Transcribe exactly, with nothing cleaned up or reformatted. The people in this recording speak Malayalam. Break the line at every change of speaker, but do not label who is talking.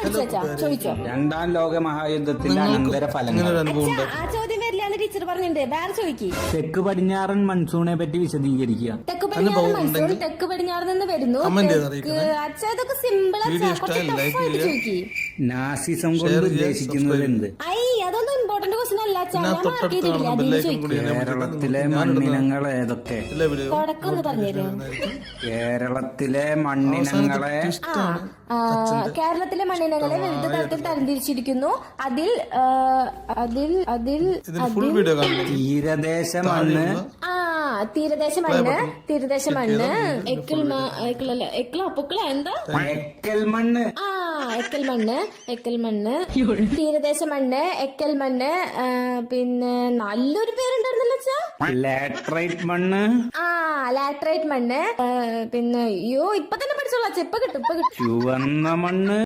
പഠിച്ചാ ചോദിച്ചോ.
രണ്ടാം ലോക മഹായുദ്ധത്തിന്റെ അനന്തര ഫലങ്ങൾ.
ആ ചോദ്യം വരില്ലാന്ന് ടീച്ചർ പറഞ്ഞിട്ടുണ്ട്. വേറെ ചോദിക്കി.
തെക്ക് പടിഞ്ഞാറൻ മൺസൂണെ പറ്റി വിശദീകരിക്കുക.
തെക്ക് പടിഞ്ഞാറ് മൺസൂൺ തെക്ക് പടിഞ്ഞാറ് നിന്ന് വരുന്നു. അച്ഛാ ഇതൊക്കെ സിമ്പിൾ ചോദിക്കി.
നാസിസം കൊണ്ട് ഉദ്ദേശിക്കുന്നത് എന്ത്?
ഐ അതൊന്നും ഇമ്പോർട്ടന്റ് ക്വസ്റ്റൻ അല്ല അച്ഛാ. ഞാൻ മാർക്ക് ചെയ്തിട്ടില്ല. അതിന് ചോദിക്കും.
കേരളത്തിലെ മണ്ണിനങ്ങൾ ഏതൊക്കെ?
തുടക്കം ഒന്ന് പറഞ്ഞുതരോ?
കേരളത്തിലെ മണ്ണിനങ്ങളെ
കേരളത്തിലെ മണ്ണിനങ്ങളെ വിവിധ തരത്തിൽ തരംതിരിച്ചിരിക്കുന്നു. അതിൽ അതിൽ അതിൽ
തീരദേശ മണ്ണ്,
ആ തീരദേശ മണ്ണ്, തീരദേശ മണ്ണ്, എക്കിൾ എക്കിളല്ല എക്കിള പൊക്കിള എന്താ
എക്കൽ മണ്ണ്,
ആ എക്കൽ മണ്ണ്, എക്കൽ മണ്ണ്, തീരദേശ മണ്ണ്, എക്കൽ മണ്ണ്, പിന്നെ നല്ലൊരു പേരുണ്ടായിരുന്നല്ലോ അച്ഛാ.
ലാറ്ററൈറ്റ് മണ്ണ്,
ആ ലാറ്ററൈറ്റ് മണ്ണ്, പിന്നെ അയ്യോ ഇപ്പൊ തന്നെ പഠിച്ചോളാം. ഇപ്പൊ കിട്ടും ഇപ്പൊ കിട്ടും.
ചുവന്ന മണ്ണ്.